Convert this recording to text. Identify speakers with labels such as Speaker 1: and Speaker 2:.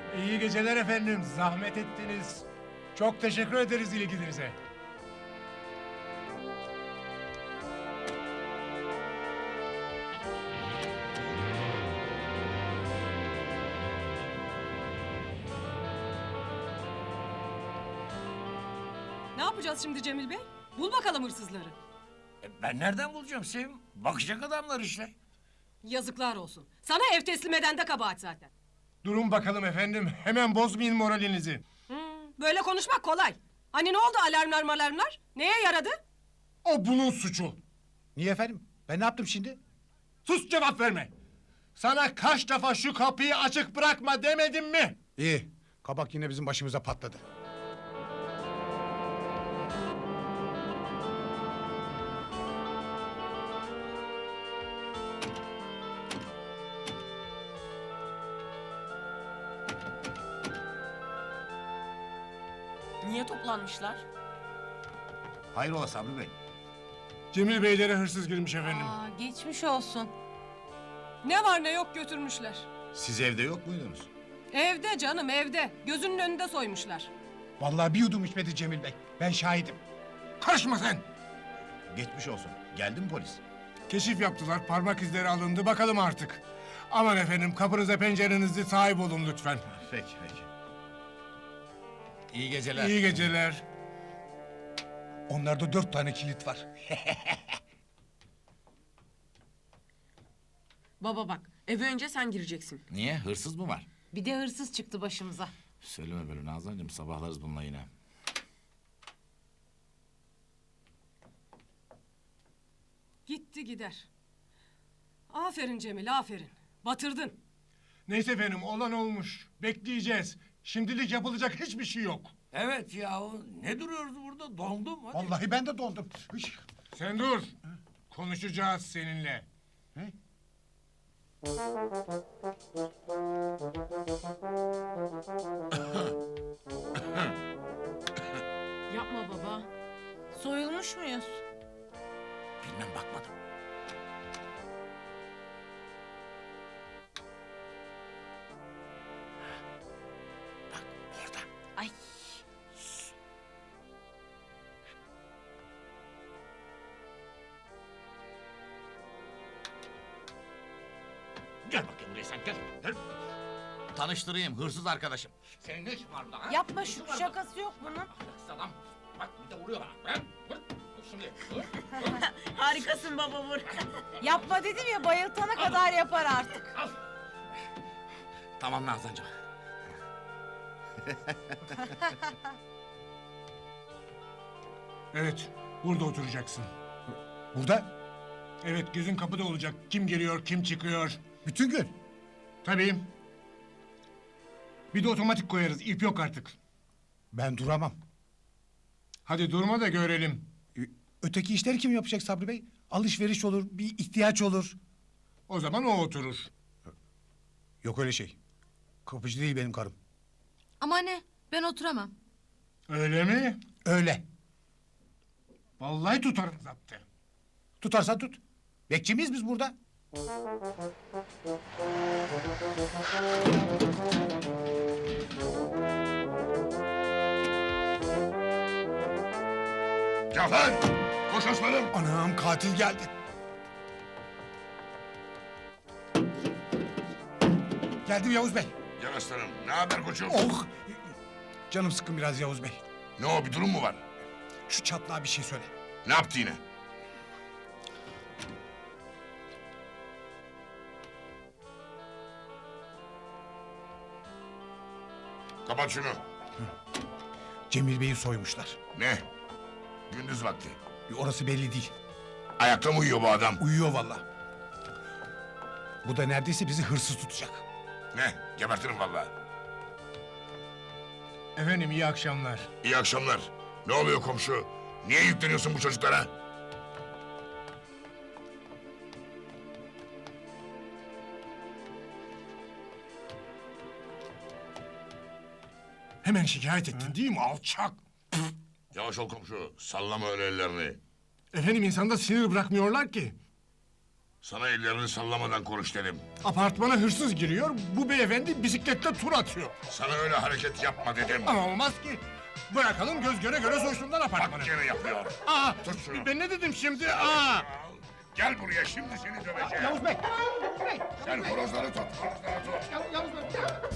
Speaker 1: İyi geceler efendim. Zahmet ettiniz. Çok teşekkür ederiz ilginize.
Speaker 2: Ne yapacağız şimdi Cemil Bey? Bul bakalım hırsızları.
Speaker 3: Ben nereden bulacağım Sevim? Bakacak adamlar işte.
Speaker 2: Yazıklar olsun. Sana ev teslim eden de kabahat zaten.
Speaker 1: Durun bakalım efendim. Hemen bozmayın moralinizi.
Speaker 2: Böyle konuşmak kolay. Hani ne oldu alarmlar malarmlar? Neye yaradı?
Speaker 1: O bunun suçu.
Speaker 4: Niye efendim? Ben ne yaptım şimdi?
Speaker 1: Sus, cevap verme. Sana kaç defa şu kapıyı açık bırakma demedim mi?
Speaker 4: İyi. Kabak yine bizim başımıza patladı.
Speaker 5: Niye toplanmışlar?
Speaker 3: Hayrola Sabri Bey?
Speaker 1: Cemil Beylere hırsız girmiş efendim.
Speaker 5: Aa, geçmiş olsun.
Speaker 2: Ne var ne yok götürmüşler.
Speaker 3: Siz evde yok muydunuz?
Speaker 2: Evde canım evde. Gözünün önünde soymuşlar.
Speaker 4: Vallahi bir yudum içmedi Cemil Bey. Ben şahidim.
Speaker 1: Karışma sen.
Speaker 3: Geçmiş olsun. Geldi mi polis?
Speaker 1: Keşif yaptılar. Parmak izleri alındı. Bakalım artık. Aman efendim, kapınıza pencerenizi sahip olun lütfen.
Speaker 3: Peki peki. İyi geceler.
Speaker 1: İyi geceler.
Speaker 4: Onlarda 4 tane kilit var.
Speaker 5: Baba bak, eve önce sen gireceksin.
Speaker 3: Niye? Hırsız mı var?
Speaker 5: Bir de hırsız çıktı başımıza.
Speaker 3: Söyleme böyle Nazancığım. Sabahlarız bununla yine.
Speaker 2: Gitti gider. Aferin Cemil aferin. Batırdın.
Speaker 1: Neyse efendim, olan olmuş. Bekleyeceğiz. Şimdilik yapılacak hiçbir şey yok.
Speaker 3: Evet yahu. Ne duruyoruz burada? Dondum. Hadi.
Speaker 4: Vallahi ben de dondum. Hış.
Speaker 1: Sen dur. Konuşacağız seninle.
Speaker 5: Yapma baba. Soyulmuş muyuz?
Speaker 3: Bilmem bakmadım. Bak orada.
Speaker 5: Ay.
Speaker 3: Gel bakayım buraya sen gel. Gel. Tanıştırayım hırsız arkadaşım. Senin ne işin var burada ha?
Speaker 5: Yapma
Speaker 3: Ne işin
Speaker 5: şu
Speaker 3: var
Speaker 5: şakası yok bunun.
Speaker 3: burada? Ahlaksız adam. Bak bir de vuruyor bana. Bırak. Vur. Vur şimdi. Vur.
Speaker 5: Harikasın baba vur. Yapma dedim ya bayıltana kadar yapar artık.
Speaker 3: Al. Tamam Nazancığım.
Speaker 1: Evet, burada oturacaksın.
Speaker 4: Burada
Speaker 1: Evet, gözün kapıda olacak. Kim geliyor, kim çıkıyor.
Speaker 4: bütün gün.
Speaker 1: Tabii. Bir de otomatik koyarız. İp yok artık.
Speaker 4: Ben duramam.
Speaker 1: Hadi durma da görelim.
Speaker 4: Öteki işleri kim yapacak Sabri Bey? Alışveriş olur, bir ihtiyaç olur.
Speaker 1: O zaman o oturur.
Speaker 4: Yok öyle şey. Kapıcı değil benim karım.
Speaker 6: Ama ne? Ben oturamam.
Speaker 1: Öyle mi?
Speaker 4: Öyle.
Speaker 1: Vallahi tutarım zaptı.
Speaker 4: Tutarsan tut. Bekçi miyiz biz burada?
Speaker 7: Cafer! Koş aslanım!
Speaker 4: Anam katil geldi. Geldim Yavuz Bey.
Speaker 7: Gel aslanım. Ne haber koçum?
Speaker 4: Oh! Canım sıkkın biraz Yavuz Bey.
Speaker 7: Ne o, bir durum mu var?
Speaker 4: Şu çatlağa bir şey söyle.
Speaker 7: Ne yaptı yine? Kapat şunu.
Speaker 4: Cemil Bey'i soymuşlar.
Speaker 7: Ne? Gündüz vakti.
Speaker 4: Orası belli değil.
Speaker 7: Ayakta mı uyuyor bu adam?
Speaker 4: Uyuyor vallahi. Bu da neredeyse bizi hırsız tutacak.
Speaker 7: Ne? Gebertirim vallahi.
Speaker 1: Efendim, iyi akşamlar.
Speaker 7: İyi akşamlar. Ne oluyor komşu? Niye yükleniyorsun bu çocuklara?
Speaker 1: Hemen şikayet ettin değil mi alçak?
Speaker 7: Yavaş ol komşu. Sallama öyle ellerini.
Speaker 1: Efendim, insanda sinir bırakmıyorlar ki.
Speaker 7: Sana ellerini sallamadan konuş dedim.
Speaker 1: Apartmana hırsız giriyor, bu beyefendi bisikletle tur atıyor.
Speaker 7: Sana öyle hareket yapma dedim.
Speaker 1: Ama olmaz ki. Bırakalım göz göre göre soysunlar apartmanı.
Speaker 7: Bak gene yapıyor.
Speaker 1: Aa,
Speaker 7: Tut şunu.
Speaker 1: ben ne dedim şimdi? Aa!
Speaker 7: Gel buraya, şimdi seni döveceğim.
Speaker 1: Yavuz Bey! Yavuz Bey!
Speaker 7: Sen horozları tut, horozları tut.
Speaker 1: Yavuz Bey!